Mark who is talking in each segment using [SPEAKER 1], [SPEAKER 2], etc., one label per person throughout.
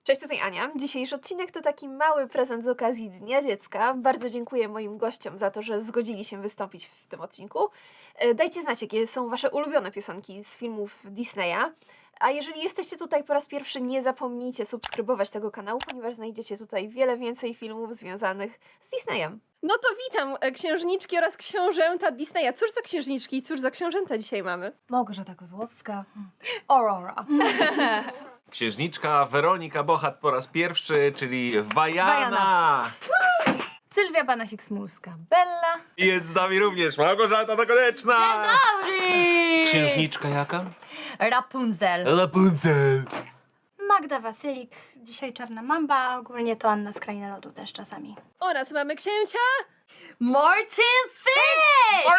[SPEAKER 1] Cześć, tutaj Ania. Dzisiejszy odcinek to taki mały prezent z okazji Dnia Dziecka. Bardzo dziękuję moim gościom za to, że zgodzili się wystąpić w tym odcinku. Dajcie znać, jakie są wasze ulubione piosenki z filmów Disneya. A jeżeli jesteście tutaj po raz pierwszy, nie zapomnijcie subskrybować tego kanału, ponieważ znajdziecie tutaj wiele więcej filmów związanych z Disneyem. No to witam księżniczki oraz książęta Disneya. Cóż za księżniczki i cóż za książęta dzisiaj mamy?
[SPEAKER 2] Małgorzata Kozłowska, Aurora.
[SPEAKER 3] Księżniczka Weronika Bochat po raz pierwszy, czyli Wajana.
[SPEAKER 2] Sylwia Banasik-Smulska, Bella.
[SPEAKER 3] I jest z nami również Małgorzata Nakonieczna. Księżniczka jaka?
[SPEAKER 2] Rapunzel.
[SPEAKER 3] Rapunzel.
[SPEAKER 4] Magda Wasylik, dzisiaj Czarna Mamba, a ogólnie to Anna z Krainy Lodu też czasami.
[SPEAKER 1] Oraz mamy księcia
[SPEAKER 2] Martin Fish!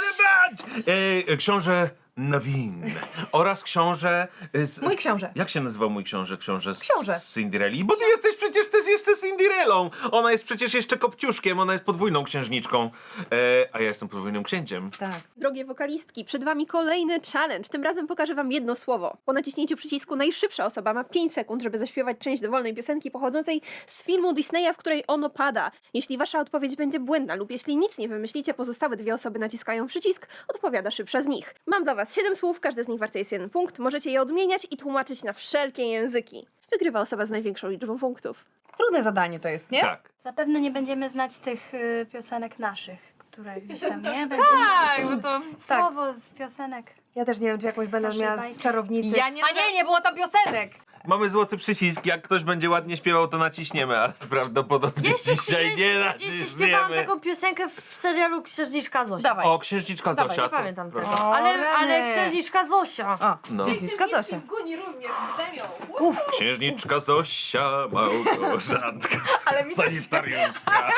[SPEAKER 3] Książę Naveen oraz książę...
[SPEAKER 2] Mój książę.
[SPEAKER 3] Jak się nazywał mój książę? Książę
[SPEAKER 2] Książę.
[SPEAKER 3] z Cinderelli? Bo ty jesteś przecież też jeszcze Cinderellą. Ona jest przecież jeszcze Kopciuszkiem, ona jest podwójną księżniczką. A ja jestem podwójnym księciem.
[SPEAKER 2] Tak.
[SPEAKER 1] Drogie wokalistki, przed wami kolejny challenge. Tym razem pokażę wam jedno słowo. Po naciśnięciu przycisku najszybsza osoba ma 5 sekund, żeby zaśpiewać część dowolnej piosenki pochodzącej z filmu Disneya, w której ono pada. Jeśli wasza odpowiedź będzie błędna lub jeśli nic nie wymyślicie, pozostałe 2 osoby naciskają przycisk, odpowiada szybsza z nich. Mam dla was 7 słów, każde z nich warte jest 1 punkt. Możecie je odmieniać i tłumaczyć na wszelkie języki. Wygrywa osoba z największą liczbą punktów.
[SPEAKER 2] Trudne zadanie to jest, nie?
[SPEAKER 3] Tak.
[SPEAKER 4] Zapewne nie będziemy znać tych piosenek naszych, które gdzieś tam nie będzie.
[SPEAKER 2] Tak, bo to...
[SPEAKER 4] Słowo z piosenek.
[SPEAKER 5] Ja też nie wiem, czy jakąś będę
[SPEAKER 4] Naszej
[SPEAKER 5] miała
[SPEAKER 4] bajki.
[SPEAKER 5] z czarownicy.
[SPEAKER 2] Ja nie... A nie było to piosenek!
[SPEAKER 3] Mamy złoty przycisk, jak ktoś będzie ładnie śpiewał, to naciśniemy, ale prawdopodobnie dzisiaj nie
[SPEAKER 6] Jeszcze śpiewałam
[SPEAKER 3] naciśniemy.
[SPEAKER 6] taką piosenkę w serialu Księżniczka Zosia.
[SPEAKER 2] Dawaj.
[SPEAKER 3] O, księżniczka
[SPEAKER 2] Dawaj,
[SPEAKER 3] Zosia.
[SPEAKER 6] Nie
[SPEAKER 3] to-
[SPEAKER 6] pamiętam
[SPEAKER 3] proszę.
[SPEAKER 6] tego.
[SPEAKER 2] O,
[SPEAKER 6] Ale
[SPEAKER 2] rany.
[SPEAKER 6] Księżniczka Zosia.
[SPEAKER 2] O,
[SPEAKER 3] No.
[SPEAKER 2] księżniczka Zosia.
[SPEAKER 1] Guni również brzmią.
[SPEAKER 3] Księżniczka Zosia, Małgorzatka,
[SPEAKER 2] Ale mi
[SPEAKER 3] sanitariuszka.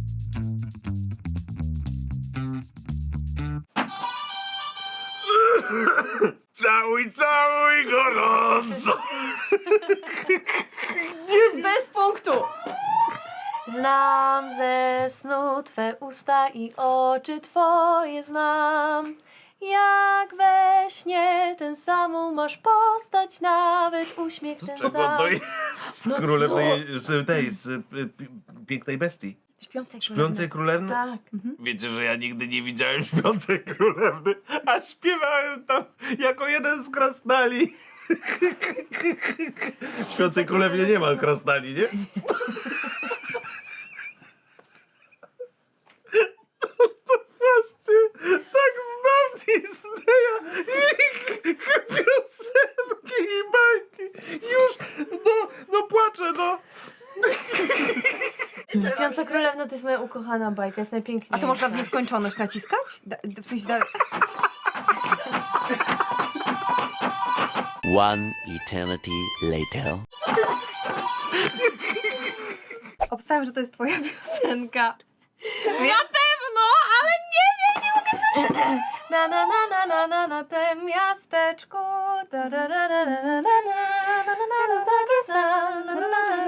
[SPEAKER 3] Całuj, całuj gorąco.
[SPEAKER 1] Bez punktu!
[SPEAKER 5] Znam ze snu Twe usta i oczy Twoje znam. Jak we śnie ten samą masz postać, nawet uśmiech ten
[SPEAKER 3] Czego
[SPEAKER 5] sam.
[SPEAKER 3] to jest
[SPEAKER 5] No
[SPEAKER 3] królewnej, z pięknej bestii?
[SPEAKER 5] Śpiącej
[SPEAKER 3] Śpiącej królewny?
[SPEAKER 5] Tak.
[SPEAKER 3] Wiecie, że ja nigdy nie widziałem śpiącej królewny, a śpiewałem tam jako jeden z krasnali. W śpiącej królewnie nie ma krasnali, nie? To właśnie tak znam Disneya i piosenki i bajki. Już, no płaczę, no.
[SPEAKER 5] Śpiąca królewna to jest moja ukochana bajka, jest najpiękniejsza.
[SPEAKER 2] A to można w nieskończoność naciskać? W sensie dalej.
[SPEAKER 7] One eternity later.
[SPEAKER 5] Obstawiam, że to jest twoja piosenka.
[SPEAKER 1] Na pewno, ale nie mogę sobie...
[SPEAKER 5] Na na na na na na na tym miasteczku. Da da da da da da da da da da taki sam. Na na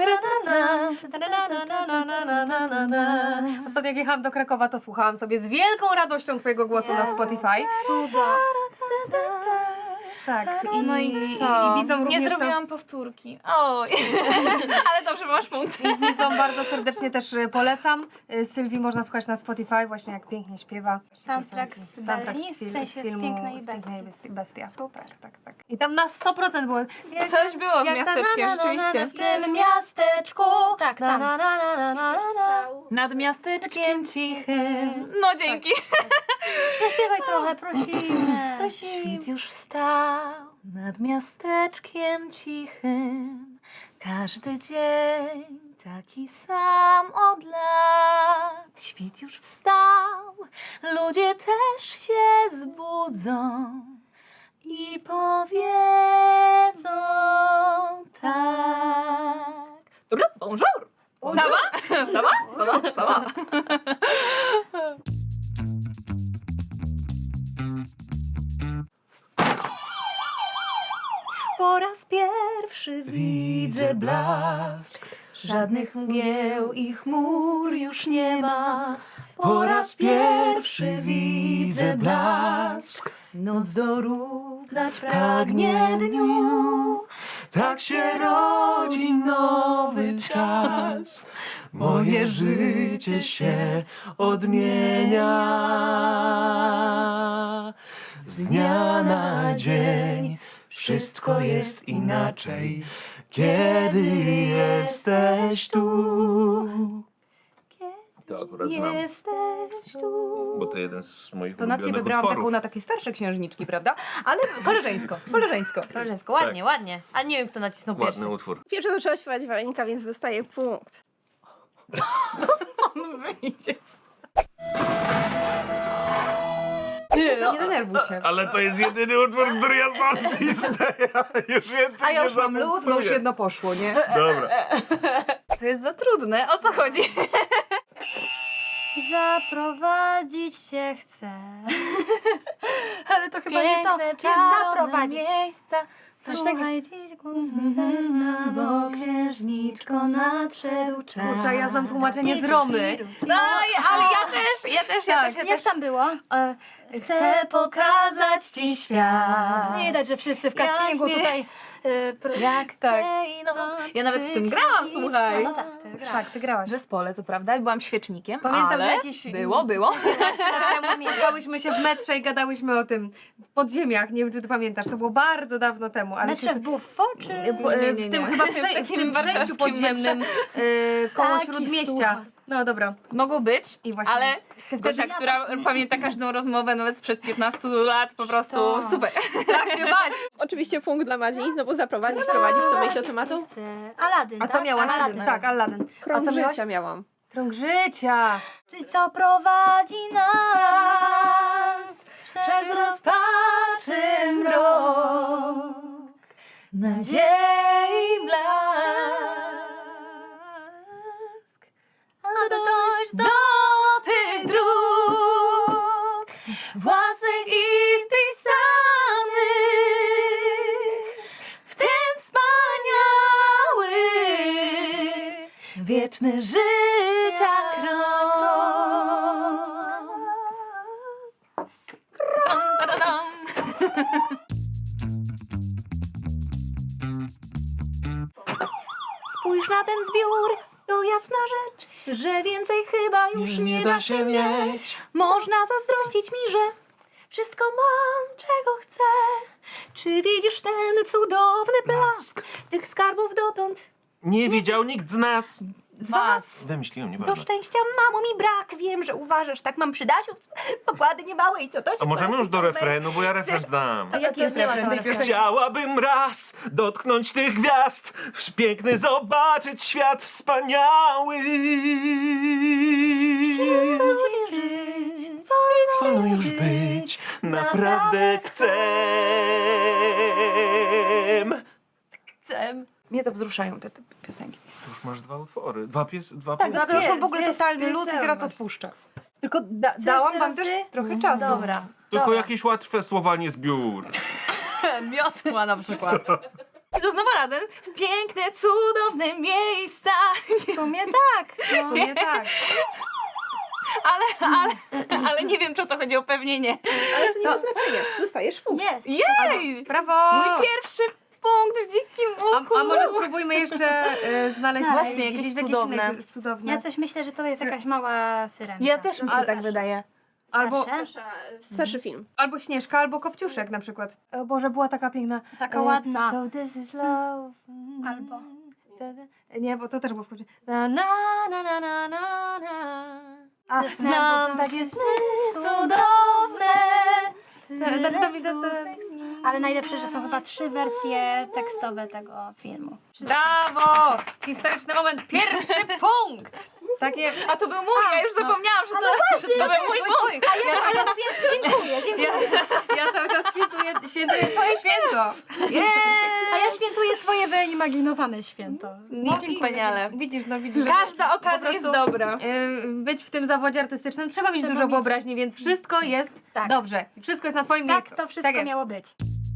[SPEAKER 5] na na na na na. Ostatnio jak jechałam do Krakowa, to słuchałam sobie z wielką radością twojego głosu na Spotify.
[SPEAKER 4] Cuda.
[SPEAKER 5] Tak.
[SPEAKER 4] No i co?
[SPEAKER 5] I widzą również
[SPEAKER 1] Nie
[SPEAKER 5] to-
[SPEAKER 1] zrobiłam powtórki. Oj, ale dobrze, masz punkt.
[SPEAKER 5] I widzom bardzo serdecznie też polecam. Sylwii można słuchać na Spotify, właśnie jak pięknie śpiewa.
[SPEAKER 4] Soundtrack z Belli, w sensie z Pięknej Bestii.
[SPEAKER 5] Bestia.
[SPEAKER 4] Super.
[SPEAKER 5] Tak. I tam na 100% było...
[SPEAKER 1] Coś było z
[SPEAKER 5] jak ta
[SPEAKER 1] miasteczkiem,
[SPEAKER 5] na, na, na, na,
[SPEAKER 1] rzeczywiście.
[SPEAKER 5] W tym miasteczku.
[SPEAKER 4] Tak,
[SPEAKER 5] Na,
[SPEAKER 4] tam.
[SPEAKER 5] na, na, na, na, na, na.
[SPEAKER 2] Nad miasteczkiem cichym.
[SPEAKER 1] No dzięki.
[SPEAKER 4] Zaśpiewaj trochę, prosimy.
[SPEAKER 2] Świt już wstał nad miasteczkiem cichym. Każdy dzień taki sam od lat. Świt już wstał, ludzie też się zbudzą i powiedzą tak.
[SPEAKER 1] Bonjour. Sama?
[SPEAKER 2] Po raz pierwszy widzę blask. Żadnych mgieł i chmur już nie ma. Po raz pierwszy widzę blask. Noc dorównać pragnie dniu.
[SPEAKER 3] tak się rodzi nowy czas. Moje życie się odmienia. Z dnia na dzień wszystko jest inaczej, kiedy jesteś tu. To akurat znam,
[SPEAKER 2] Jesteś tu.
[SPEAKER 3] bo to jeden z moich
[SPEAKER 2] To na ciebie
[SPEAKER 3] ulubionych
[SPEAKER 2] wybrałam
[SPEAKER 3] utworów.
[SPEAKER 2] taką na takie starsze księżniczki, prawda? Ale koleżeńsko, koleżeńsko.
[SPEAKER 6] Koleżeńsko, ładnie, ładnie. A nie wiem, kto nacisnął pierwszy.
[SPEAKER 3] Ładny utwór.
[SPEAKER 1] Pierwsze zaczęła śpiewać Weronika, więc dostaję punkt.
[SPEAKER 2] Nie, no, nie denerwuj się.
[SPEAKER 3] Ale to jest jedyny utwór, który ja znam z Disneya. Już więcej
[SPEAKER 2] A ja
[SPEAKER 3] nie
[SPEAKER 2] już mam luz, bo już
[SPEAKER 3] zamontuję.
[SPEAKER 2] jedno poszło, nie?
[SPEAKER 3] Dobra.
[SPEAKER 5] To jest za trudne. O co chodzi?
[SPEAKER 4] Zaprowadzić się chcę.
[SPEAKER 5] Ale to chyba nie to.
[SPEAKER 4] Piękne, czyli zaprowadzić.
[SPEAKER 5] miejsca. Coś takiego.
[SPEAKER 4] Słuchaj dziś głosu serca, bo księżniczko nadszedł czas.
[SPEAKER 5] Kurczę, ja znam tłumaczenie z Romy. No, ale ja też.
[SPEAKER 4] Jak tam było?
[SPEAKER 5] Chcę pokazać ci świat.
[SPEAKER 4] Nie widać, że wszyscy w castingu
[SPEAKER 5] Jaśnie.
[SPEAKER 4] tutaj...
[SPEAKER 5] Jak tak. Ja nawet w tym grałam, słuchaj.
[SPEAKER 4] No tak, ty grasz.
[SPEAKER 2] Tak, ty grałaś.
[SPEAKER 5] W zespole, co prawda, byłam świecznikiem.
[SPEAKER 2] Pamiętam,
[SPEAKER 5] ale
[SPEAKER 2] że jakieś-
[SPEAKER 5] Było.
[SPEAKER 2] Spotkałyśmy się w metrze i gadałyśmy o tym w podziemiach. Nie wiem, czy ty pamiętasz. To było bardzo dawno temu. Ale
[SPEAKER 4] Metrze w Buffo, czy...
[SPEAKER 2] w tym chyba w tym przejściu
[SPEAKER 5] warszawskim
[SPEAKER 2] podziemnym koło
[SPEAKER 4] Taki
[SPEAKER 2] Śródmieścia.
[SPEAKER 4] słuchaj.
[SPEAKER 2] No dobra.
[SPEAKER 5] Mogło być,
[SPEAKER 2] I właśnie.
[SPEAKER 5] ale
[SPEAKER 2] wtedy
[SPEAKER 5] Gosia,
[SPEAKER 2] ja
[SPEAKER 5] która pamięta każdą rozmowę nawet sprzed 15 lat, po prostu super. Tak się bać.
[SPEAKER 1] Oczywiście punkt dla Madzi, no bo zaprowadzić, prowadzić, co myśl o tematu?
[SPEAKER 4] Chcę. Aladdin,
[SPEAKER 2] A co
[SPEAKER 4] tak?
[SPEAKER 2] miałaś?
[SPEAKER 4] Aladdin.
[SPEAKER 2] Tak, Aladdin.
[SPEAKER 1] Krąg
[SPEAKER 2] A co miałaś?
[SPEAKER 1] życia miałam.
[SPEAKER 2] Krąg życia.
[SPEAKER 4] Czy co prowadzi nas
[SPEAKER 2] Przez rozpaczy mrok. Nadziei blask. A dojść do tych dróg własnych i wpisanych w ten wspaniały wieczny życia krok. Spójrz na ten zbiór, to jasna rzecz, że więcej chyba już nie da się mieć. Można zazdrościć mi, że wszystko mam, czego chcę. Czy widzisz ten cudowny blask tych skarbów dotąd
[SPEAKER 3] Nie widział nikt z nas.
[SPEAKER 2] z was?
[SPEAKER 3] Wymyśliłem,
[SPEAKER 2] Do
[SPEAKER 3] nieważne.
[SPEAKER 2] szczęścia, mamo, mi brak. Wiem, że uważasz, tak mam przydasiów, pokłady niemałe i co to się
[SPEAKER 3] A możemy już do
[SPEAKER 2] super.
[SPEAKER 3] refrenu, bo ja refren znam.
[SPEAKER 2] A jaki jest refren tej piosenki?
[SPEAKER 3] Chciałabym raz dotknąć tych gwiazd, piękny zobaczyć świat wspaniały.
[SPEAKER 2] Żyć,
[SPEAKER 3] Wolno już być, naprawdę chcę.
[SPEAKER 2] Mnie to wzruszają te piosenki.
[SPEAKER 3] Już masz dwa utwory, dwa
[SPEAKER 2] Tak,
[SPEAKER 3] punkty.
[SPEAKER 2] to już mam w ogóle
[SPEAKER 5] jest
[SPEAKER 2] totalny luz i teraz
[SPEAKER 5] wesołość.
[SPEAKER 2] odpuszczę. Tylko dałam wam też trochę czasu.
[SPEAKER 5] Dobra.
[SPEAKER 3] Tylko jakieś łatwe słowa, nie zbiór.
[SPEAKER 5] Miotła na przykład. I to znowu Aladdin. W piękne, cudowne miejsca.
[SPEAKER 4] W sumie tak.
[SPEAKER 2] W sumie tak.
[SPEAKER 5] Ale nie wiem, czy o to chodzi, o pewnie nie.
[SPEAKER 1] Ale to nie ma znaczenia. Dostajesz punkt.
[SPEAKER 4] Jest.
[SPEAKER 5] Jej!
[SPEAKER 2] Brawo!
[SPEAKER 5] Mój pierwszy punkt w dzikim uchu.
[SPEAKER 2] A może spróbujmy jeszcze znaleźć
[SPEAKER 4] Właśnie,
[SPEAKER 2] jakieś
[SPEAKER 5] jakieś
[SPEAKER 2] cudowne.
[SPEAKER 5] cudowne.
[SPEAKER 2] cudowne.
[SPEAKER 4] Ja coś myślę, że to jest jakaś mała syrenka.
[SPEAKER 5] Ja też mi się
[SPEAKER 2] Ale-
[SPEAKER 5] tak wydaje.
[SPEAKER 2] Albo,
[SPEAKER 4] Starsze?
[SPEAKER 1] Starszy film.
[SPEAKER 2] albo Śnieżka, albo Kopciuszek na przykład. O Boże, była taka piękna.
[SPEAKER 4] Taka ładna.
[SPEAKER 2] So this is love.
[SPEAKER 4] Albo.
[SPEAKER 2] Nie, bo to też było w Kopciuszek. Na na na na na na na. A,
[SPEAKER 4] Ze snem
[SPEAKER 2] znam
[SPEAKER 4] budzą
[SPEAKER 2] takie
[SPEAKER 4] się
[SPEAKER 2] sny
[SPEAKER 4] sny
[SPEAKER 2] cudowne.
[SPEAKER 4] Ale najlepsze, że są chyba 3 wersje tekstowe tego filmu.
[SPEAKER 2] Brawo! Historyczny moment. Pierwszy punkt! Takie,
[SPEAKER 5] A to był mój, ja już zapomniałam, że to był mój punkt.
[SPEAKER 4] Dziękuję, dziękuję.
[SPEAKER 2] ja cały czas świętuję twoje święto.
[SPEAKER 4] A ja świętuję swoje wyimaginowane święto.
[SPEAKER 5] Wspaniale.
[SPEAKER 2] Widzisz, no widzisz.
[SPEAKER 5] Każda
[SPEAKER 2] po
[SPEAKER 5] okazja jest
[SPEAKER 2] prostu,
[SPEAKER 5] dobra.
[SPEAKER 2] Być w tym zawodzie artystycznym trzeba mieć
[SPEAKER 4] Trzeba
[SPEAKER 2] dużo
[SPEAKER 4] mieć.
[SPEAKER 2] wyobraźni, więc wszystko jest
[SPEAKER 4] Tak.
[SPEAKER 2] dobrze. Wszystko jest na swoim
[SPEAKER 4] Tak,
[SPEAKER 2] miejscu.
[SPEAKER 4] to wszystko
[SPEAKER 2] jest.
[SPEAKER 4] miało być.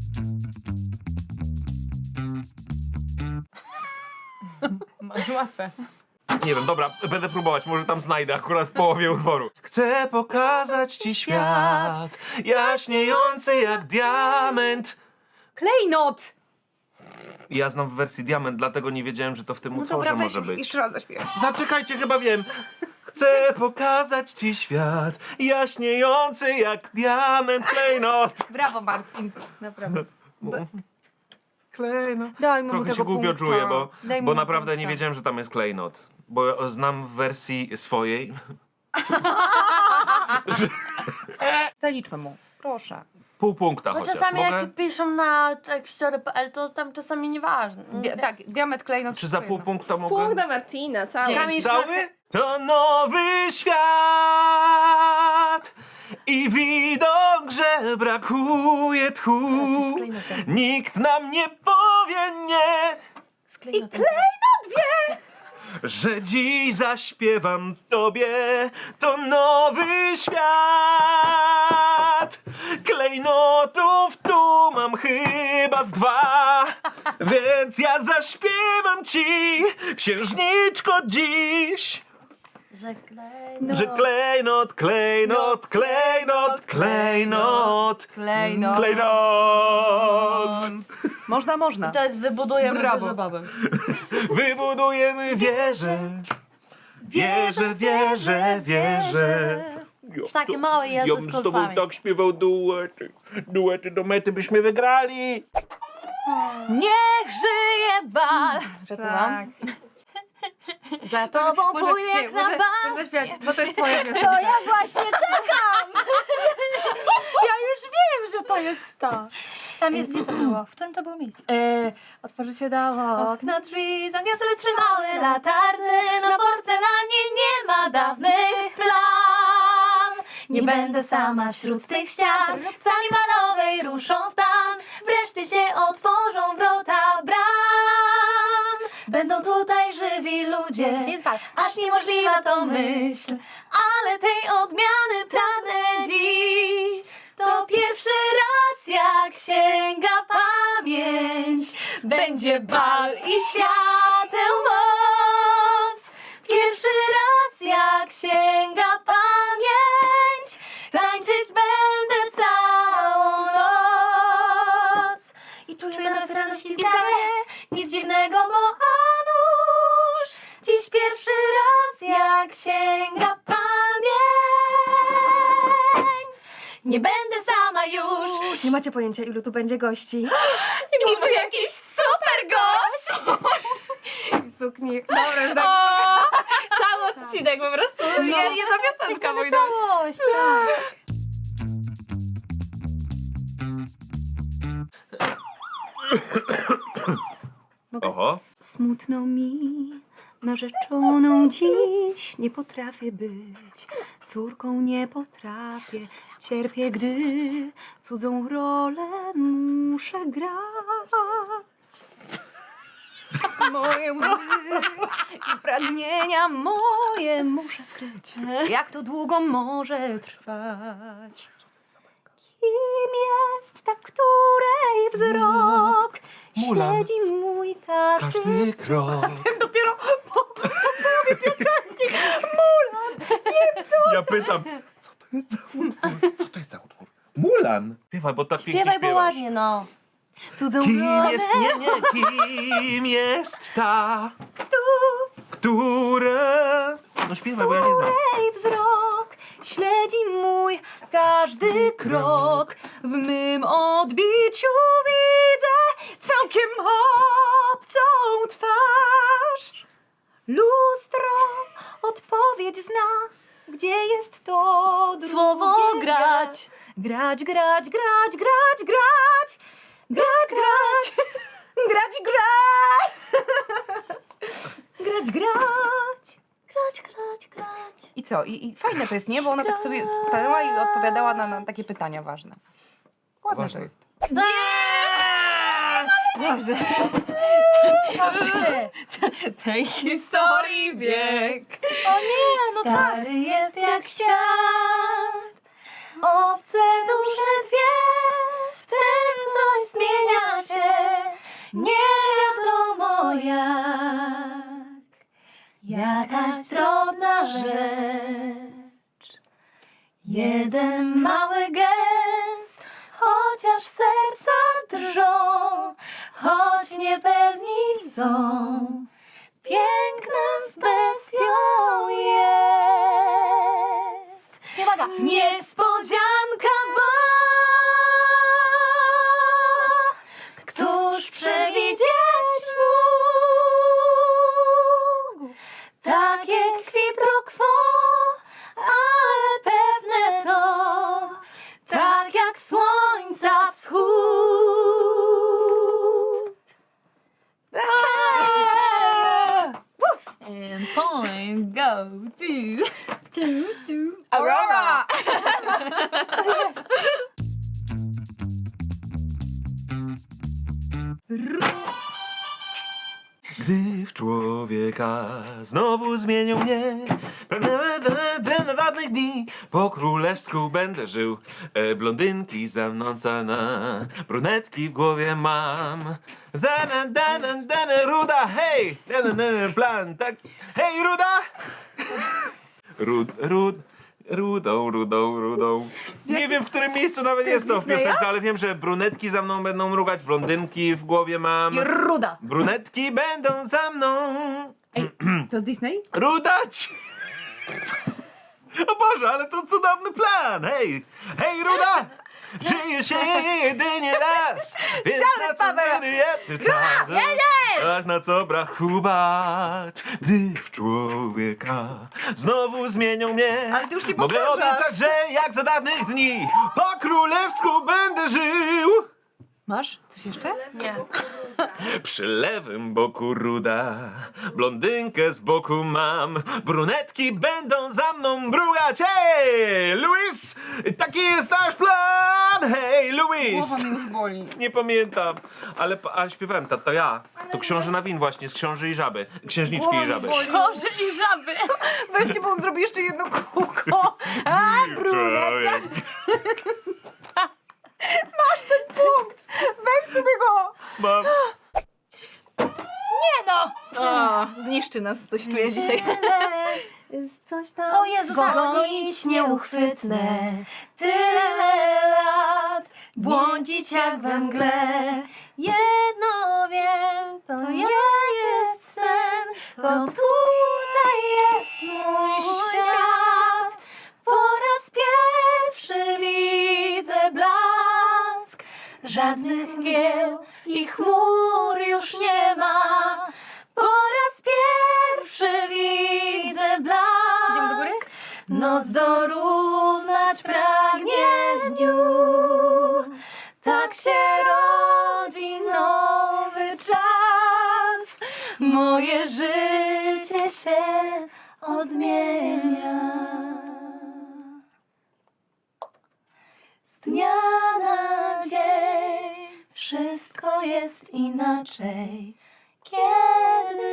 [SPEAKER 2] Masz łatwe.
[SPEAKER 3] Nie wiem, dobra, będę próbować, może tam znajdę akurat w połowie utworu. Chcę pokazać ci świat, jaśniejący jak diament.
[SPEAKER 2] Klejnot!
[SPEAKER 3] Ja znam w wersji diament, dlatego nie wiedziałem, że to w tym
[SPEAKER 2] No
[SPEAKER 3] utworze
[SPEAKER 2] dobra, weź
[SPEAKER 3] może
[SPEAKER 2] już,
[SPEAKER 3] być.
[SPEAKER 2] jeszcze raz zaśpiewaj.
[SPEAKER 3] Zaczekajcie, chyba wiem. Chcę pokazać ci świat, jaśniejący jak diament klejnot.
[SPEAKER 2] Brawo, Martin. Naprawdę.
[SPEAKER 3] Klejnot.
[SPEAKER 2] Daj mu
[SPEAKER 3] Trochę
[SPEAKER 2] tego
[SPEAKER 3] się głupio
[SPEAKER 2] punkta.
[SPEAKER 3] czuję,
[SPEAKER 2] Daj mu
[SPEAKER 3] bo naprawdę nie
[SPEAKER 2] punkta.
[SPEAKER 3] wiedziałem, że tam jest klejnot. Bo znam w wersji swojej.
[SPEAKER 2] Zaliczmy mu. Proszę.
[SPEAKER 3] Pół punkta
[SPEAKER 6] Bo
[SPEAKER 3] chociaż.
[SPEAKER 6] czasami
[SPEAKER 3] Mogę?
[SPEAKER 6] jak piszą na tekściory.pl, to tam czasami nieważne.
[SPEAKER 2] Tak, diament klejnot.
[SPEAKER 3] Czy za pół punkta mogę?
[SPEAKER 1] Punkt dla Martina, cały.
[SPEAKER 6] Kamil
[SPEAKER 3] Cały? To nowy świat i widok, że brakuje tchu. Nikt nam nie powie nie, że dziś zaśpiewam tobie. To nowy świat. Klejnotów tu mam chyba z 2, więc ja zaśpiewam ci, księżniczko, dziś.
[SPEAKER 6] Że klejnot.
[SPEAKER 3] Że klejnot, klejnot, klejnot, klejnot,
[SPEAKER 2] Klejnot.
[SPEAKER 3] klejnot.
[SPEAKER 2] Można.
[SPEAKER 6] To jest wybudujemy
[SPEAKER 2] Brawo.
[SPEAKER 6] wieżę babem.
[SPEAKER 3] Wybudujemy wieżę. Wieżę, wieżę, wieżę.
[SPEAKER 6] Takie małe jeże
[SPEAKER 3] Ja
[SPEAKER 6] z
[SPEAKER 3] bym z tobą
[SPEAKER 6] kolcami.
[SPEAKER 3] tak śpiewał duety. Duety do mety byśmy wygrali.
[SPEAKER 5] Niech żyje bal.
[SPEAKER 2] Tak.
[SPEAKER 5] Za tobą pójdę na bal.
[SPEAKER 1] Może zaśpiewać, bo to jest twoja piosenka.
[SPEAKER 4] To ja właśnie czekam! Ja już wiem, że to jest to. Tam jest, gdzie to było? W którym to było miejscu?
[SPEAKER 5] Otworzy się dało okna drzwi, zamiast wytrzymały latarce, na porcelanie nie ma dawnych plam. Nie będę sama wśród tych ścian, w sali balowej ruszą w tan, wreszcie się otworzą wrota bram. Będą tutaj żywi ludzie,
[SPEAKER 4] Gdzie jest bal?
[SPEAKER 5] aż niemożliwa to myśl, ale tej odmiany pragnę dziś. To pierwszy raz, jak sięga pamięć, będzie bal i świateł moc. Pierwszy raz, jak sięga pamięć, tańczyć będę całą noc. I czuję nas radość i skarbie, nic dziwnego, bo a nuż dziś pierwszy raz, jak sięga pamięć. Nie będę sama już.
[SPEAKER 1] Nie macie pojęcia, ilu tu będzie gości.
[SPEAKER 5] I może jakiś super gość.
[SPEAKER 1] Sukni. Dobra, tak.
[SPEAKER 5] Cały odcinek po prostu.
[SPEAKER 2] Jedna piosenka, mój drogi.
[SPEAKER 4] Całość, tak.
[SPEAKER 3] Oho.
[SPEAKER 2] Smutno mi, narzeczoną dziś nie potrafię być. Córką nie potrafię, cierpię, gdy cudzą rolę muszę grać. Moje łzy i pragnienia moje muszę skryć. Jak to długo może trwać? Kim jest ta, której wzrok
[SPEAKER 3] Mulan.
[SPEAKER 2] śledzi mój każdy
[SPEAKER 3] Każdy krok.
[SPEAKER 2] dopiero po połowie piosenki.
[SPEAKER 3] Ja pytam, co to jest za utwór? Co to jest za utwór? Mulan. Śpiewaj, bo tak pięknie
[SPEAKER 6] Śpiewaj, bo
[SPEAKER 3] śpiewasz.
[SPEAKER 6] ładnie, no.
[SPEAKER 2] Cudzą
[SPEAKER 3] Kim
[SPEAKER 2] rolę
[SPEAKER 3] jest, kim jest ta, która... No śpiewaj, bo ja nie znam.
[SPEAKER 2] której wzrok śledzi mój każdy krok. W mym odbiciu widzę całkiem obcą twarz. Lustro odpowiedź zna, gdzie jest to drugie
[SPEAKER 5] Słowo grać.
[SPEAKER 2] Grać, grać, grać, grać, grać. Grać, grać. Grać, grać. Grać, grać. Grać, grać, grać.
[SPEAKER 8] I co? I fajne to jest, nie? Bo ona tak sobie stanęła i odpowiadała na takie pytania ważne. Ładne
[SPEAKER 3] Ważne.
[SPEAKER 8] to jest.
[SPEAKER 1] Dobrze. Tej historii bieg.
[SPEAKER 5] No stary jest jak świat, obce dusze dwie, w tym coś zmienia się, nie wiadomo jak. Jakaś drobna rzecz, jeden mały gest, chociaż serca drżą, choć niepewni są, piękna z bestią jest. Niespodzianka, bo któż przewidzieć mógł takie qui pro quo, ale pewne to, tak jak słońca wschód. And point go to
[SPEAKER 8] Aurora!
[SPEAKER 3] Gdy w człowieka znowu zmienią mnie, pragnę na dawnych dni, po królewsku będę żył. Blondynki za mną cana, brunetki w głowie mam. Dana, ruda, hej! Dana, plan, tak. Hej, ruda! Rudą. Nie wiem, w którym miejscu nawet jest to w piosence, ale wiem, że brunetki za mną będą mrugać, blondynki w głowie mam.
[SPEAKER 8] I ruda.
[SPEAKER 3] Brunetki będą za mną
[SPEAKER 8] Ej, to z Disney?
[SPEAKER 3] rudać! O Boże, ale to cudowny plan! Hej, ruda! Żyje się jedynie raz, więc na co wyjęty czas? Ach, na co brachubacz, gdy w człowieka znowu zmienią mnie.
[SPEAKER 8] Ale ty już nie
[SPEAKER 3] Mogę
[SPEAKER 8] powtarzasz.
[SPEAKER 3] obiecać, że jak za dawnych dni po królewsku będę żył.
[SPEAKER 8] Masz coś jeszcze?
[SPEAKER 6] Nie.
[SPEAKER 3] Przy lewym boku ruda, blondynkę z boku mam, brunetki będą za mną mrugać. Hej, Louis! Taki jest nasz plan! Hej, Louis!
[SPEAKER 8] Głowa mnie już boli.
[SPEAKER 3] Nie pamiętam, ale śpiewałem, to ja. To książę Nawin właśnie, z Książy i Żaby. Księżniczki i Żaby.
[SPEAKER 5] Boże i żaby.
[SPEAKER 8] Weźcie, bo on zrobi jeszcze jedno kółko. A, brunetka. Masz ten punkt. Weź sobie go.
[SPEAKER 3] Mam.
[SPEAKER 5] Nie no!
[SPEAKER 1] O, zniszczy nas, coś czuję dzisiaj.
[SPEAKER 5] Coś tam
[SPEAKER 6] O Jezu, tak,
[SPEAKER 5] gonić nieuchwytne. Tyle lat błądzić jak we mgle. Jedno wiem, to nie jest sen, to tutaj jest mój świat. Po raz pierwszy widzę blask, żadnych mgieł i chmur już nie ma. Po raz pierwszy widzę blask.
[SPEAKER 8] Idziemy do góry?
[SPEAKER 5] Noc dorównać pragnie dniu. Tak się rodzi nowy czas. Moje życie się odmienia. Z dnia na dzień wszystko jest inaczej, kiedy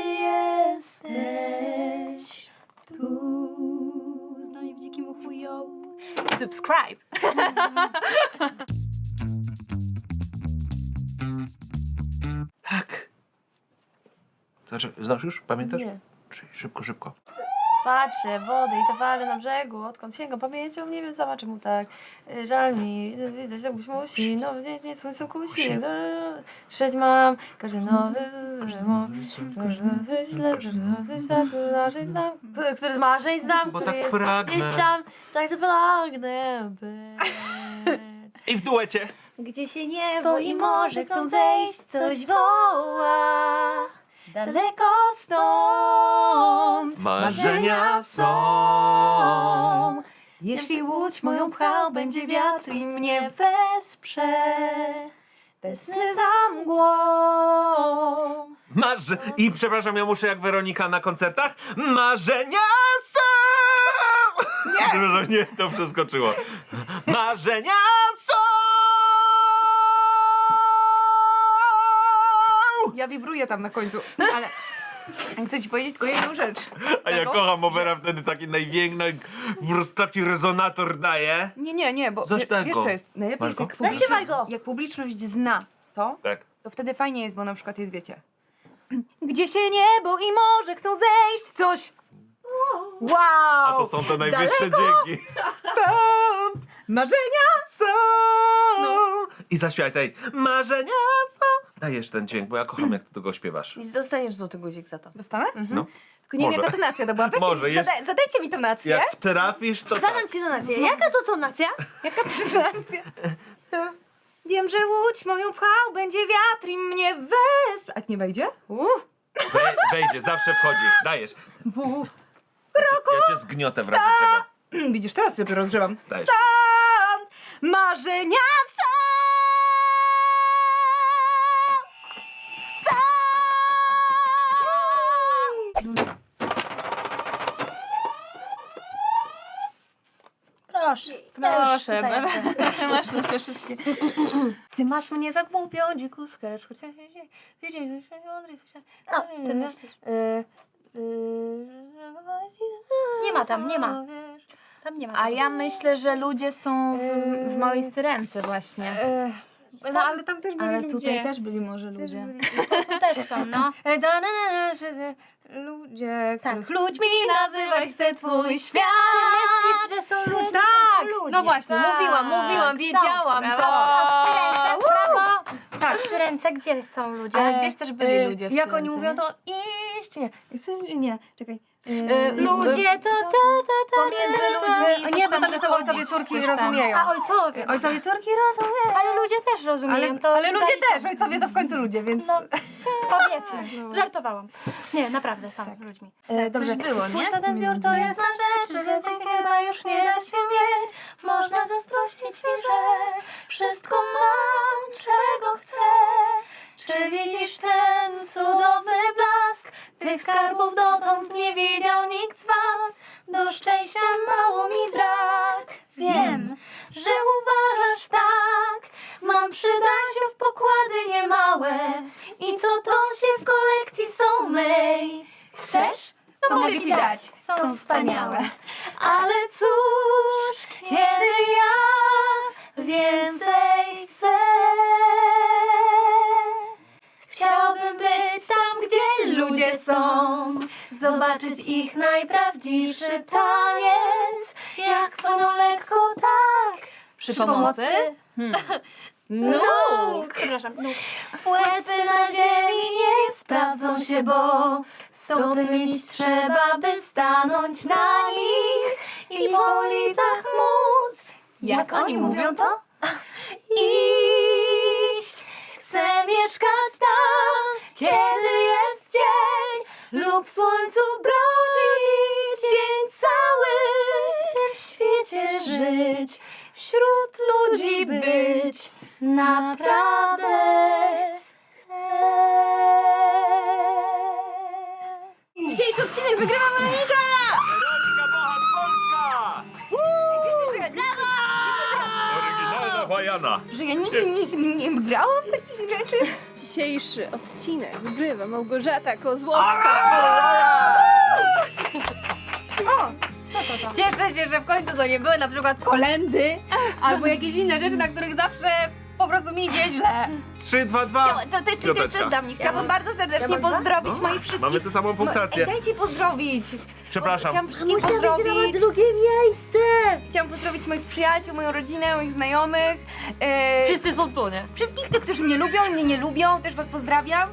[SPEAKER 5] jesteś tu. Z nami w dzikim uchu, yo.
[SPEAKER 1] Subscribe.
[SPEAKER 3] Tak. Znaczy, znasz już? Pamiętasz?
[SPEAKER 6] Nie.
[SPEAKER 3] Czyli szybko.
[SPEAKER 6] Patrzę, wody i te fale na brzegu, odkąd sięgam pamięcią, nie wiem sama czemu tak. Żal mi, widać tak być musi, no gdzieś nie słońcem kusi. Szeć mam, każdy nowy, który z marzeń znam,
[SPEAKER 3] Bo
[SPEAKER 6] który
[SPEAKER 3] tak
[SPEAKER 6] jest
[SPEAKER 3] pragnę.
[SPEAKER 6] gdzieś tam, tak to pragnę być.
[SPEAKER 3] I w duecie.
[SPEAKER 2] Gdzie się niebo i morze chcą zejść, coś woła. Daleko stąd
[SPEAKER 3] Marzenia są.
[SPEAKER 2] Jeśli łódź moją pchał, będzie wiatr i mnie wesprze. Te sny za mgłą.
[SPEAKER 3] I przepraszam, ja muszę jak Weronika na koncertach. Marzenia są! Nie! Nie, to przeskoczyło. Marzenia są!
[SPEAKER 8] Ja wibruję tam na końcu, ale chcę ci powiedzieć tylko jedną rzecz.
[SPEAKER 3] A ja
[SPEAKER 8] Jaką?
[SPEAKER 3] kocham Overa, wtedy taki największy, po prostu taki rezonator daje.
[SPEAKER 8] Nie, bo
[SPEAKER 3] Coś
[SPEAKER 8] wiesz
[SPEAKER 3] tego.
[SPEAKER 8] co jest? Najlepiej
[SPEAKER 3] Masz
[SPEAKER 8] jest,
[SPEAKER 3] go?
[SPEAKER 8] jak publiczność,
[SPEAKER 6] Zaśpiewaj go.
[SPEAKER 8] jak publiczność zna to,
[SPEAKER 3] Tak.
[SPEAKER 8] to wtedy fajnie jest, bo na przykład jest, wiecie, gdzie się niebo i morze chcą zejść, coś. Wow!
[SPEAKER 3] A to są te najwyższe
[SPEAKER 8] Daleko.
[SPEAKER 3] dźwięki.
[SPEAKER 8] Marzenia!
[SPEAKER 3] Są! I zaśpiewaj tej. Marzenia są! Dajesz ten dźwięk, bo ja kocham, jak ty tego śpiewasz.
[SPEAKER 6] I dostaniesz złoty guzik za to.
[SPEAKER 8] Dostanę?
[SPEAKER 3] No.
[SPEAKER 8] Tylko nie wiem,
[SPEAKER 3] Może.
[SPEAKER 8] jaka tonacja to była. Weźcie
[SPEAKER 3] Może,
[SPEAKER 8] mi,
[SPEAKER 3] jest-
[SPEAKER 8] zadajcie mi tonację.
[SPEAKER 3] Jak wtrafisz, to tak.
[SPEAKER 5] Zadam ci donację. Jaka to tonacja?
[SPEAKER 8] Jaka tonacja? Wiem, że łódź moją pchał, będzie wiatr i mnie wesprze. A nie wejdzie?
[SPEAKER 3] Wejdzie, zawsze wchodzi. Dajesz.
[SPEAKER 8] Bu.
[SPEAKER 3] Ja cię zgniotę w razie czego.
[SPEAKER 8] Widzisz, teraz się dopiero rozgrzewam.
[SPEAKER 3] Dajesz.
[SPEAKER 8] Stąd marzenia są.
[SPEAKER 5] Proszę.
[SPEAKER 4] Proszę,
[SPEAKER 5] Proszę.
[SPEAKER 4] masz na się wszystkie. Ty masz mnie za głupią, dziku skrecz, chociaż wiedzieć, że się mądry,
[SPEAKER 5] O, ty myślisz. Nie ma tam, nie ma. Tam nie ma.
[SPEAKER 2] A ja myślę, że ludzie są w małej syrence właśnie.
[SPEAKER 4] No ale tam też byli
[SPEAKER 2] Ale
[SPEAKER 4] ludzie.
[SPEAKER 2] tutaj też byli może ludzie.
[SPEAKER 5] Tu też są, no.
[SPEAKER 4] Ludzie,
[SPEAKER 5] Tak.
[SPEAKER 4] których ludźmi nazywać chce twój świat.
[SPEAKER 5] Ty myślisz, że są ludzie,
[SPEAKER 4] Tak,
[SPEAKER 5] tylko ludzie.
[SPEAKER 4] no właśnie,
[SPEAKER 2] Tak.
[SPEAKER 4] mówiłam, wiedziałam
[SPEAKER 5] Są.
[SPEAKER 4] to.
[SPEAKER 5] A w Syrence, brawo! Tak, w Syrence gdzie są ludzie?
[SPEAKER 2] Ale gdzieś też byli ludzie w
[SPEAKER 4] Jak oni
[SPEAKER 2] Syrence,
[SPEAKER 4] mówią,
[SPEAKER 2] nie?
[SPEAKER 4] to iść, nie. Nie, czekaj.
[SPEAKER 5] Ludzie to
[SPEAKER 2] Pomiędzy ludźmi
[SPEAKER 4] Nie,
[SPEAKER 2] coś
[SPEAKER 4] bo
[SPEAKER 2] tam
[SPEAKER 4] tam jest ojcowie
[SPEAKER 2] przechodzić,
[SPEAKER 4] córki
[SPEAKER 2] coś tam.
[SPEAKER 4] rozumieją.
[SPEAKER 5] A ojcowie.
[SPEAKER 4] Ojcowie córki rozumieją.
[SPEAKER 5] Ale ludzie też rozumieją. to
[SPEAKER 4] Ale ludzie
[SPEAKER 5] zaliczam.
[SPEAKER 4] też, ojcowie to w końcu ludzie, więc...
[SPEAKER 5] No, powiedzmy. Żartowałam. Nie, naprawdę, są ludźmi.
[SPEAKER 4] Dobrze.
[SPEAKER 2] było, nie?
[SPEAKER 4] Spójrz
[SPEAKER 2] Z
[SPEAKER 4] na ten
[SPEAKER 2] tymi
[SPEAKER 4] zbiór, to
[SPEAKER 2] ludźmi.
[SPEAKER 4] jasna rzecz, że więcej chyba już nie da się mieć. Można zazdrościć mi, że wszystko mam, czego chcę. Czy widzisz ten cudowny blask? Tych skarbów dotąd nie widział nikt z was. Do szczęścia mało mi brak. Wiem, że uważasz tak. Mam przy Dasiu pokłady niemałe. I co to się w kolekcji są mej. Chcesz? To mogę ci dać. Są wspaniałe. Ale cóż, kiedy ja więcej chcę. Chciałbym być tam, gdzie ludzie są, zobaczyć ich najprawdziwszy taniec, jak płyną lekko tak, przy pomocy nóg.
[SPEAKER 5] Przepraszam.
[SPEAKER 4] Płetwy na ziemi nie sprawdzą się, bo stopy mieć trzeba, by stanąć na nich i po ulicach móc, jak oni mówią to, iść. Chcę mieszkać tam, kiedy jest dzień lub w słońcu brodzić, dzień cały w tym świecie żyć, wśród ludzi być, naprawdę chcę. Dzisiejszy odcinek wygrywa Monika!
[SPEAKER 3] Erotika Bohat Polska! Oryginalna Wajana.
[SPEAKER 8] Że ja nigdy nie grałam w takich rzeczy.
[SPEAKER 1] Dzisiejszy odcinek wygrywa Małgorzata Kozłowska.
[SPEAKER 4] Cieszę się, że w końcu to nie były na przykład kolendy albo jakieś inne rzeczy, na których zawsze po prostu mi idzie źle.
[SPEAKER 3] 3, 2, 2.
[SPEAKER 8] To też
[SPEAKER 3] Piąteczka.
[SPEAKER 8] dla mnie. Chciałabym bardzo serdecznie pozdrowić
[SPEAKER 3] No,
[SPEAKER 8] moich wszystkich...
[SPEAKER 3] mamy tę samą punktację.
[SPEAKER 8] Dajcie pozdrowić.
[SPEAKER 3] Przepraszam.
[SPEAKER 8] Chciałam wszystkich pozdrowić.
[SPEAKER 5] drugie miejsce!
[SPEAKER 8] Chciałam pozdrowić moich przyjaciół, moją rodzinę, moich znajomych.
[SPEAKER 6] Wszyscy są tu, nie?
[SPEAKER 8] Wszystkich tych, którzy mnie lubią i mnie nie lubią, też was pozdrawiam.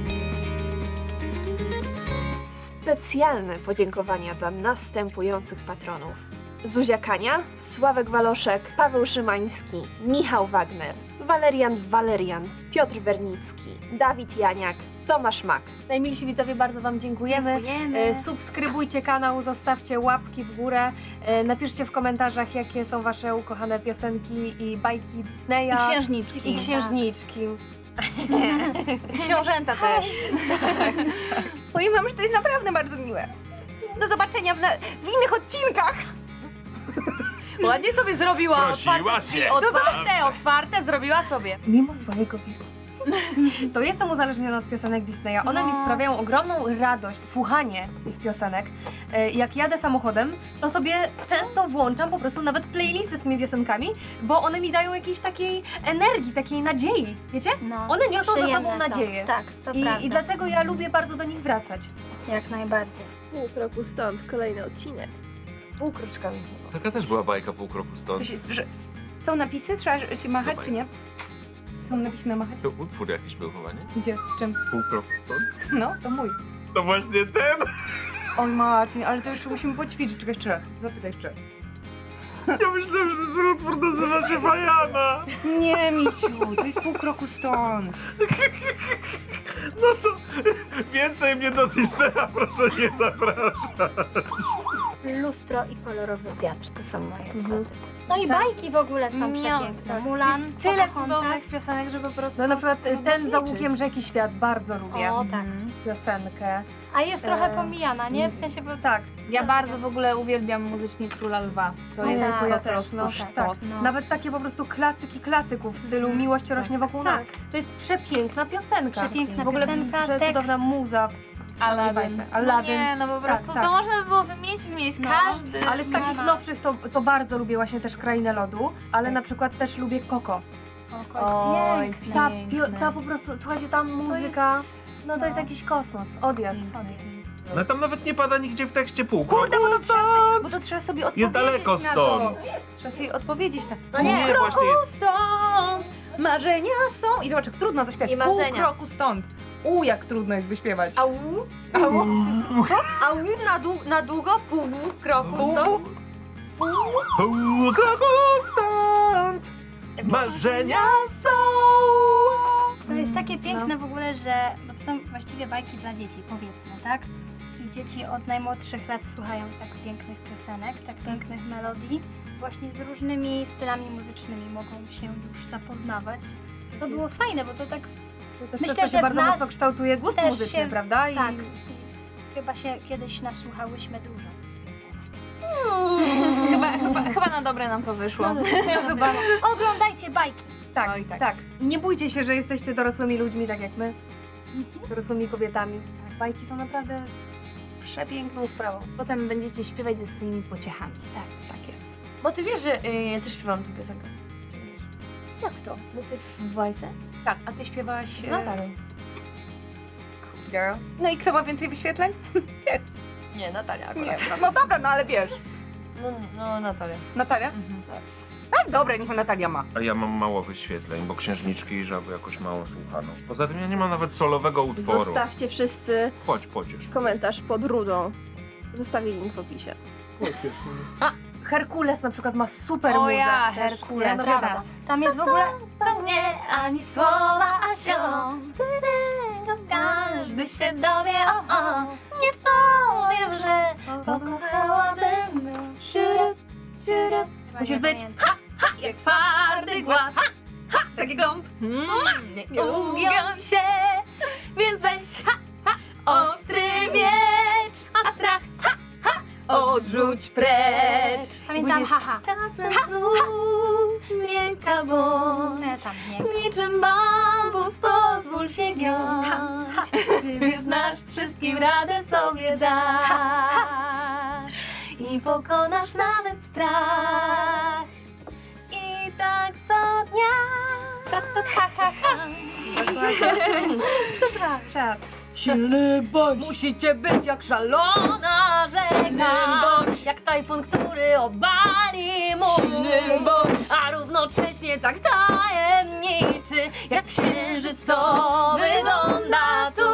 [SPEAKER 1] Specjalne podziękowania dla następujących patronów. Zuzia Kania, Sławek Waloszek, Paweł Szymański, Michał Wagner, Walerian, Piotr Wernicki, Dawid Janiak, Tomasz Mak.
[SPEAKER 4] Najmilsi widzowie, bardzo wam dziękujemy. Subskrybujcie kanał, zostawcie łapki w górę. Napiszcie w komentarzach, jakie są wasze ukochane piosenki i bajki Disneya.
[SPEAKER 2] I księżniczki.
[SPEAKER 4] I księżniczki.
[SPEAKER 8] Książęta też. Powiem wam, że to jest naprawdę bardzo miłe. Do zobaczenia w innych odcinkach.
[SPEAKER 6] Ładnie sobie zrobiła.
[SPEAKER 3] Prosiła się.
[SPEAKER 8] Otwarte zrobiła sobie.
[SPEAKER 4] Mimo swojego wieku. To jestem uzależniona od piosenek Disneya. One mi sprawiają ogromną radość, słuchanie tych piosenek. Jak jadę samochodem, to sobie często włączam po prostu nawet playlisty z tymi piosenkami, bo one mi dają jakiejś takiej energii, takiej nadziei, wiecie?
[SPEAKER 5] No,
[SPEAKER 4] One niosą za
[SPEAKER 5] przyjemne
[SPEAKER 4] sobą
[SPEAKER 5] są.
[SPEAKER 4] nadzieję.
[SPEAKER 5] Tak, to prawda.
[SPEAKER 4] I dlatego ja lubię bardzo do nich wracać.
[SPEAKER 5] Jak najbardziej.
[SPEAKER 1] Pół kroku stąd kolejny odcinek.
[SPEAKER 4] Półkroczkami.
[SPEAKER 3] Taka też była bajka pół kroku stąd.
[SPEAKER 8] Są napisy? Trzeba się machać,
[SPEAKER 3] Zobacz.
[SPEAKER 8] czy nie? są napisy na machać.
[SPEAKER 3] To utwór jakiś był chyba, nie?
[SPEAKER 8] Gdzie? Z czym?
[SPEAKER 3] Pół kroku stąd?
[SPEAKER 8] No, to mój.
[SPEAKER 3] To właśnie ten!
[SPEAKER 8] Oj Martin, ale to już musimy poćwiczyć. Czekaj jeszcze raz. Zapytaj jeszcze raz.
[SPEAKER 3] Ja myślałem, że ten utwór nazywa się Bajana.
[SPEAKER 8] Nie, Misiu, to jest pół kroku stąd.
[SPEAKER 3] No to więcej mnie do Disneya proszę nie zapraszać.
[SPEAKER 4] Lustro i kolorowy wiatr to są moje kwoty. No i bajki w ogóle są przepiękne. Mulan,
[SPEAKER 5] Tyle
[SPEAKER 4] Pocahontas.
[SPEAKER 5] cudownych piosenek, że po prostu...
[SPEAKER 8] No na przykład
[SPEAKER 5] trudno
[SPEAKER 8] ten za
[SPEAKER 5] zliczyć.
[SPEAKER 8] łukiem rzeki świat bardzo lubię.
[SPEAKER 4] O, tak.
[SPEAKER 8] Piosenkę.
[SPEAKER 4] A jest trochę pomijana, nie? W sensie, bo
[SPEAKER 8] Tak.
[SPEAKER 5] Ja bardzo w ogóle uwielbiam muzycznie Króla Lwa. To
[SPEAKER 4] No
[SPEAKER 5] jest
[SPEAKER 4] tak,
[SPEAKER 5] po
[SPEAKER 8] ja też,
[SPEAKER 5] prostu
[SPEAKER 8] no,
[SPEAKER 5] sztos.
[SPEAKER 4] no.
[SPEAKER 8] Nawet takie po prostu klasyki klasyków w stylu Miłość rośnie wokół nas. To jest przepiękna piosenka.
[SPEAKER 4] Przepiękna
[SPEAKER 8] w ogóle
[SPEAKER 4] piosenka,
[SPEAKER 8] przecudowna
[SPEAKER 4] tekst.
[SPEAKER 8] muza.
[SPEAKER 5] Aladdin.
[SPEAKER 8] Aladdin.
[SPEAKER 5] No nie, no po prostu
[SPEAKER 8] tak.
[SPEAKER 5] to można by było wymienić
[SPEAKER 4] No.
[SPEAKER 5] każdy.
[SPEAKER 8] Ale z takich nowszych to bardzo lubię właśnie też Krainę Lodu, ale na przykład też lubię Coco.
[SPEAKER 4] oko jest piękne.
[SPEAKER 8] Ta po prostu, słuchajcie, tam muzyka, no to jest jakiś kosmos, odjazd.
[SPEAKER 3] No tam nawet nie pada nigdzie w tekście pół
[SPEAKER 8] Kurde,
[SPEAKER 3] kroku
[SPEAKER 8] bo to trzeba sobie odpowiedzieć
[SPEAKER 3] Jest daleko
[SPEAKER 8] na
[SPEAKER 3] stąd.
[SPEAKER 8] to. Trzeba sobie odpowiedzieć na
[SPEAKER 4] No nie,
[SPEAKER 3] właśnie jest.
[SPEAKER 8] stąd, marzenia są. I zobacz, jak trudno zaśpiewać.
[SPEAKER 1] I
[SPEAKER 8] Pół
[SPEAKER 1] marzenia.
[SPEAKER 8] kroku stąd. Jak trudno jest wyśpiewać.
[SPEAKER 1] Au,
[SPEAKER 8] Au.
[SPEAKER 1] au, na długo, pół kroku stąd.
[SPEAKER 3] Pół kroku stąd marzenia są.
[SPEAKER 4] To jest takie piękne w ogóle, że bo to są właściwie bajki dla dzieci, powiedzmy, tak? I dzieci od najmłodszych lat słuchają tak pięknych piosenek, tak pięknych melodii. Właśnie z różnymi stylami muzycznymi mogą się już zapoznawać. To było fajne, bo to tak
[SPEAKER 8] To
[SPEAKER 4] Myślę,
[SPEAKER 8] też
[SPEAKER 4] że
[SPEAKER 8] się
[SPEAKER 4] w
[SPEAKER 8] bardzo
[SPEAKER 4] nas
[SPEAKER 8] mocno kształtuje gust
[SPEAKER 4] też
[SPEAKER 8] muzyczny,
[SPEAKER 4] się-
[SPEAKER 8] prawda?
[SPEAKER 4] tak. Chyba się kiedyś nasłuchałyśmy dużo piosenek.
[SPEAKER 5] Chyba na dobre nam to wyszło.
[SPEAKER 8] Chyba,
[SPEAKER 4] Oglądajcie bajki!
[SPEAKER 8] tak,
[SPEAKER 5] Oj, tak.
[SPEAKER 8] tak. I nie bójcie się, że jesteście dorosłymi ludźmi, tak jak my. Dorosłymi kobietami. Tak, bajki są naprawdę przepiękną sprawą.
[SPEAKER 5] Potem będziecie śpiewać ze swoimi pociechami.
[SPEAKER 8] Tak jest.
[SPEAKER 6] Bo ty wiesz, że ja też śpiewam tę piosenkę.
[SPEAKER 4] Jak to?
[SPEAKER 5] No ty w bajce?
[SPEAKER 8] Tak, a ty śpiewałaś...
[SPEAKER 5] Z Natalą.
[SPEAKER 6] Girl.
[SPEAKER 8] No i kto ma więcej wyświetleń?
[SPEAKER 6] Nie, Natalia
[SPEAKER 8] Nie.
[SPEAKER 6] akurat.
[SPEAKER 8] No dobra, no ale wiesz.
[SPEAKER 6] No Natalia.
[SPEAKER 8] Natalia? Tak, dobra, niech Natalia ma.
[SPEAKER 3] A ja mam mało wyświetleń, bo Księżniczki i Żaby jakoś mało słuchano. Poza tym ja nie mam nawet solowego utworu.
[SPEAKER 1] Zostawcie wszyscy
[SPEAKER 3] Chodź, pociesz.
[SPEAKER 1] komentarz pod rudą. Zostawię link w opisie.
[SPEAKER 8] Herkules na przykład ma super
[SPEAKER 5] O
[SPEAKER 8] muzę.
[SPEAKER 5] ja,
[SPEAKER 8] też.
[SPEAKER 5] Herkules.
[SPEAKER 8] Naprawdę.
[SPEAKER 4] Tam jest w ogóle...
[SPEAKER 5] To nie ani słowa, a ziom. Każdy się dowie, o. Nie powiem, że pokochałabym. Siurup, siurup. Musisz być jak twardy głaz. Taki gąb. Nie ugiąć się, więc weź ostry miecz, a strach odrzuć precz.
[SPEAKER 4] Pamiętam, haha.
[SPEAKER 5] Czasem znów miękka bądź.
[SPEAKER 4] Tam nie.
[SPEAKER 5] Niczym bambus pozwól się giąć. Czy znasz, wszystkim radę sobie dasz i pokonasz nawet strach. I tak co dnia. Ha, ha, ha.
[SPEAKER 8] Przepraszam. Silny bądź. Musicie być jak
[SPEAKER 5] Szalona rzeka, jak tajfun, który obali mur, a równocześnie tak tajemniczy, jak księżyc, co wygląda tu.